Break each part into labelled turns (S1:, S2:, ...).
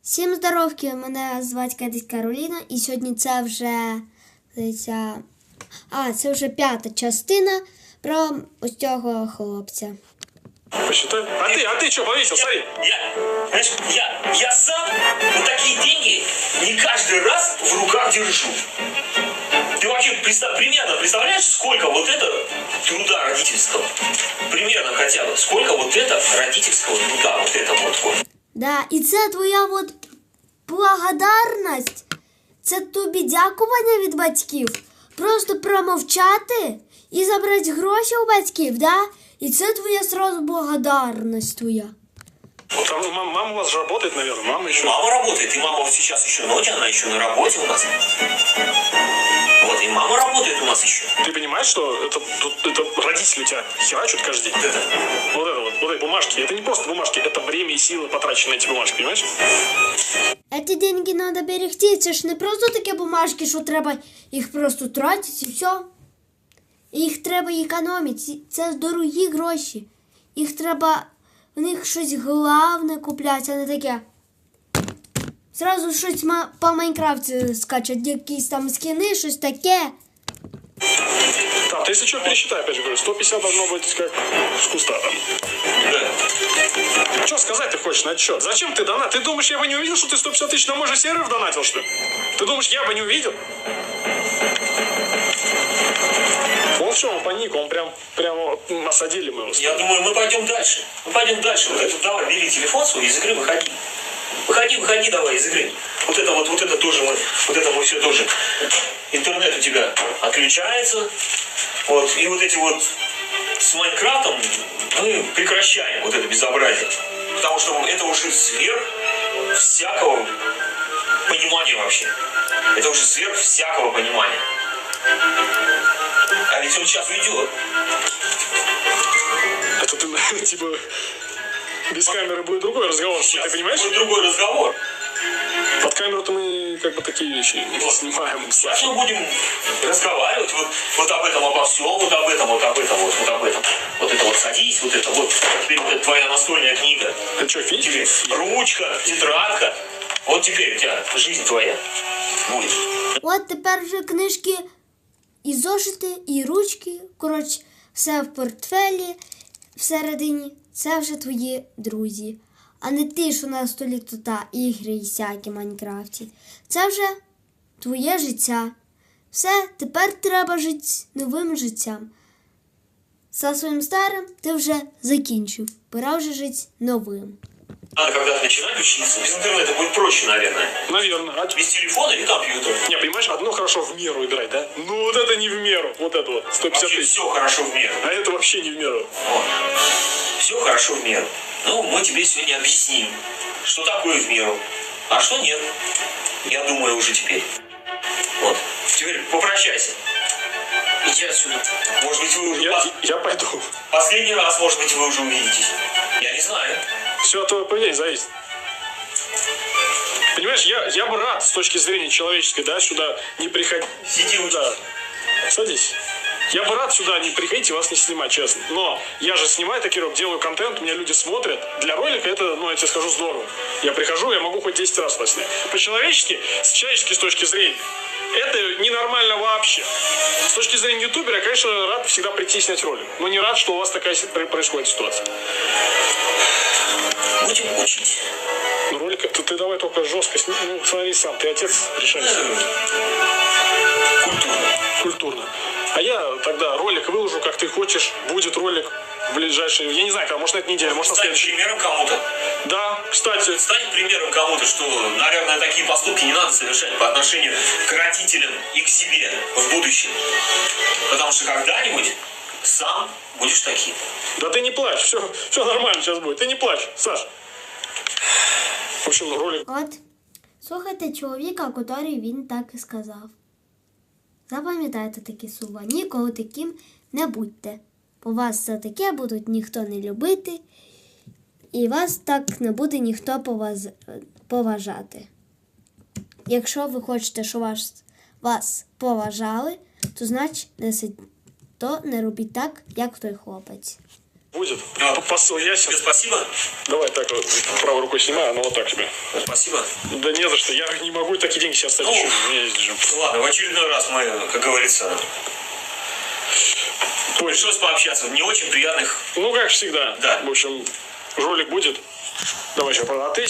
S1: Всім здоровки, мене звати Катись Кароліна, і сьогодні це вже, це вже 5-та частина про ось цього хлопця.
S2: Посчитай. А ты что повесил, смотри.
S3: Я сам вот такие деньги не каждый раз в руках держу. Ты вообще примерно представляешь, сколько вот это труда родительского? Примерно хотя бы. Сколько вот это родительского труда, вот это вот.
S1: Да, і це твоя от благодарність, це тобі дякування від батьків. Просто промовчати і забрати гроші у батьків, да? І це твоя сразу благодарність твоя.
S2: Вот там мама у вас же работает, наверное, мама еще.
S3: Мама работает, и мама вот сейчас еще ночь, она еще на работе у нас. Вот, и мама работает у нас еще.
S2: Ты понимаешь, что это родители тебя херачат каждый день? Вот эти бумажки, это не просто бумажки, это время и силы потрачены на эти бумажки, понимаешь?
S1: Ці деньги треба берегти, це ж не просто такі бумажки, що треба їх просто тратити і все. Їх треба економити, це дорогі гроші. Їх треба, в них щось головне купляти, а не таке. Зразу щось по Майнкрафті скачать, якісь там скини, щось таке.
S2: Так, ты если что, пересчитай, опять же говорю, 150 должно быть как с куста там.
S3: Да.
S2: Что сказать ты хочешь на отчет? Зачем ты донат? Ты думаешь, я бы не увидел, что ты 150 тысяч на мой же сервер донатил, что ли? Ты думаешь, я бы не увидел? Он в чем, он паник, он прямо осадили мы его.
S3: Я думаю, мы пойдем дальше. Мы пойдем дальше. Вот это, давай, бери телефон свой, из игры выходи. Выходи давай из игры. Вот это тоже мы все тоже. Интернет у тебя отключается. Вот, и вот эти вот с Майнкрафтом мы прекращаем вот это безобразие. Потому что это уже сверх всякого понимания вообще. Это уже сверх всякого понимания. А ведь он сейчас уйдет.
S2: Это ты, типа, без камеры будет другой разговор,
S3: Сейчас
S2: ты понимаешь?
S3: будет другой разговор.
S2: Под камеру-то мы как бы такие вещи не снимаем.
S3: Сейчас мы будем разговаривать вот об этом, обо всем, вот об этом. Вот это вот садись, вот это вот. Теперь вот это твоя настольная книга.
S2: Это что, физика?
S3: Теперь ручка, тетрадка. Вот теперь у тебя жизнь твоя будет.
S1: От тепер вже книжки, і зошити, і ручки, коротше, все в портфелі всередині. Це вже твої друзі. А не ти, що на столі тут ігри і всякі в Майнкрафті. Це вже твоє життя. Все, тепер треба жити новим життям. За своїм старим ти вже закінчив. Пора вже жити новим.
S3: Надо когда-то начинать учиться. Без интернета будет проще, наверное.
S2: Наверное.
S3: Без телефона или компьютера.
S2: Не, понимаешь, одно хорошо в меру играть, да? Ну вот это не в меру. Вот это вот, 150
S3: Вообще
S2: тысяч.
S3: все хорошо в меру.
S2: А это вообще не в меру.
S3: Вот. Все хорошо в меру. Ну, мы тебе сегодня объясним, что такое в меру, а что нет. Я думаю уже теперь. Вот. Теперь попрощайся. Иди отсюда. Может быть, вы уже...
S2: Я пойду.
S3: Последний раз, может быть, вы уже увидитесь. Я не знаю.
S2: Все от твоего поведения зависит. Понимаешь, я бы рад с точки зрения человеческой, да, сюда не приходить.
S3: Сиди у
S2: Да. Садись. Я бы рад сюда не приходить и вас не снимать, честно. Но я же снимаю такие ролики, делаю контент, меня люди смотрят. Для ролика это, я тебе скажу, здорово. Я прихожу, я могу хоть 10 раз вас снять. По-человечески, с человеческой с точки зрения, это ненормально вообще. С точки зрения ютубера, я, конечно, рад всегда прийти и снять ролик. Но не рад, что у вас такая происходит ситуация.
S3: Будем учить.
S2: Ну, ролик, ты давай только жестко сними. Ну, смотри сам, ты отец, решай сам.
S3: Культурно.
S2: Культурно. А я тогда ролик выложу, как ты хочешь. Будет ролик в ближайшие, я не знаю, может на этой неделе, может на
S3: Стань
S2: следующей.
S3: примером кому-то.
S2: Да, кстати.
S3: Стань примером кому-то, что, наверное, такие поступки не надо совершать по отношению к родителям и к себе в будущем. Потому что когда-нибудь сам будешь таким.
S2: Да ты не плачь, все нормально сейчас будет. Ты не плачь, Саш. В общем, ролик.
S1: От, слухайте чоловіка, який він так і сказав. Запам'ятайте такі слова, ніколи таким не будьте. Бо вас за таке будуть ніхто не любити, і вас так не буде ніхто поважати. Якщо ви хочете, щоб вас поважали, то значить не робіть так, як той хлопець.
S2: Будет.
S3: Ну,
S2: Посыл я
S3: Тебе
S2: сейчас.
S3: спасибо.
S2: Давай так вот, правой рукой снимаю, ну вот так тебе.
S3: Спасибо.
S2: Да не за что, я не могу такие деньги сейчас оставить.
S3: Ну,
S2: У меня есть же.
S3: Ладно, в очередной раз мы, как говорится, пришлось пообщаться. Не очень приятных.
S2: Ну, как всегда.
S3: Да.
S2: В общем, жулик будет. Давай еще, а ты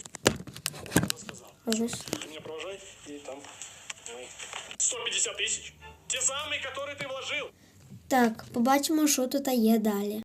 S1: Ага.
S2: Ты меня провожай, и там 150 тысяч. Те самые, которые ты вложил.
S1: Так, побачимо, що тут є далі.